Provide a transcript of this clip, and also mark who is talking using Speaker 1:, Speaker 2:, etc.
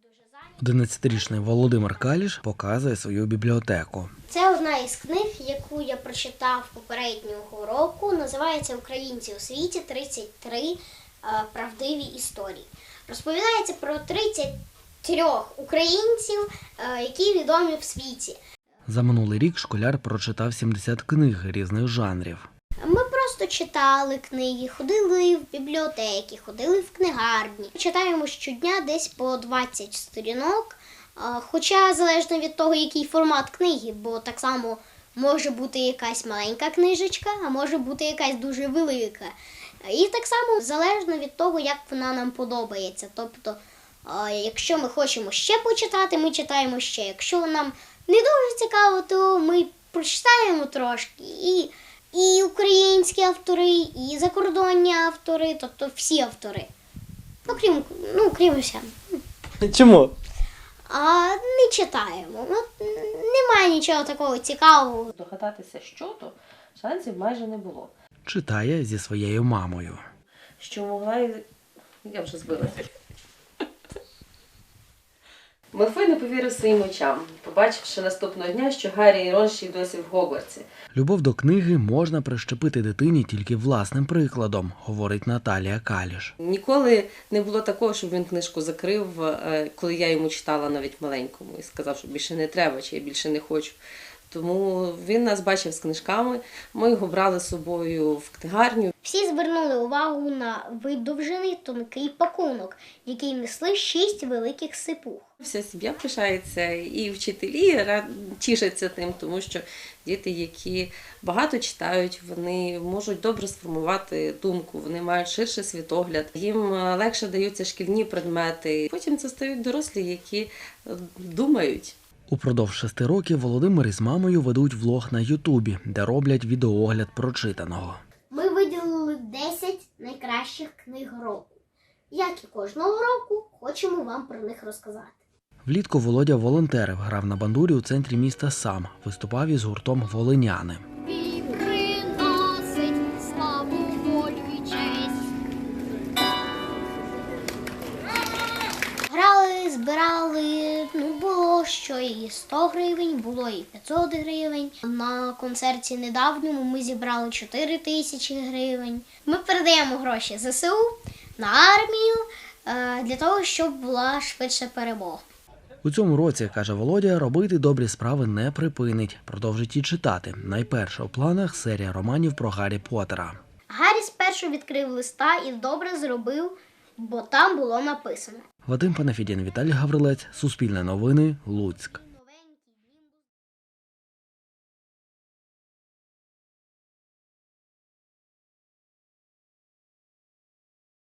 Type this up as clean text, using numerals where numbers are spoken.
Speaker 1: 11-річний Володимир Каліш показує свою бібліотеку.
Speaker 2: Це одна із книг, яку я прочитав попереднього року. Називається «Українці у світі. 33 правдиві історії». Розповідається про 33 українців, які відомі в світі.
Speaker 1: За минулий рік школяр прочитав 70 книг різних жанрів.
Speaker 2: Ми просто читали книги, ходили в бібліотеки, ходили в книгарні. Читаємо щодня десь по 20 сторінок, хоча залежно від того, який формат книги, бо так само може бути якась маленька книжечка, а може бути якась дуже велика. І так само залежно від того, як вона нам подобається. Тобто, якщо ми хочемо ще почитати, ми читаємо ще. Якщо нам не дуже цікаво, то ми прочитаємо трошки. І українські автори, і закордонні автори, тобто всі автори. Крім усього.
Speaker 1: Чому?
Speaker 2: Не читаємо. Немає нічого такого цікавого.
Speaker 3: Догадатися, що то, шансів майже не було.
Speaker 1: Читає зі своєю мамою.
Speaker 3: Що могла Я вже збилася. Малфой не повірив своїм очам, побачивши наступного дня, що Гаррі і Рон ще й досі в Гогвартсі.
Speaker 1: Любов до книги можна прищепити дитині тільки власним прикладом, говорить Наталія Каліш.
Speaker 3: Ніколи не було такого, щоб він книжку закрив, коли я йому читала навіть маленькому, і сказав, що більше не треба, чи я більше не хочу. Тому він нас бачив з книжками, ми його брали з собою в книгарню.
Speaker 2: Всі звернули увагу на видовжений тонкий пакунок, який несли 6 великих сипух.
Speaker 3: Вся сім'я пишається, і вчителі тішаться тим, тому що діти, які багато читають, вони можуть добре сформувати думку, вони мають ширший світогляд, їм легше даються шкільні предмети. Потім це стають дорослі, які думають.
Speaker 1: Упродовж 6 років Володимир із мамою ведуть влог на Ютубі, де роблять відеоогляд прочитаного.
Speaker 2: Ми виділили 10 найкращих книг року. Як і кожного року, хочемо вам про них розказати.
Speaker 1: Влітку Володя волонтерив, грав на бандурі у центрі міста сам, виступав із гуртом «Волиняни».
Speaker 2: Грали, збирали, було що і 100 гривень, було і 500 гривень. На концерті недавньому ми зібрали 4 тисячі гривень. Ми передаємо гроші ЗСУ на армію для того, щоб була швидше перемога.
Speaker 1: У цьому році, каже Володя, робити добрі справи не припинить, продовжить і читати. Найперше у планах серія романів про Гаррі Поттера.
Speaker 2: Гаррі спершу відкрив листа і добре зробив, бо там було написано.
Speaker 1: Вадим Панафідін, Віталій Гаврилець, Суспільне новини, Луцьк.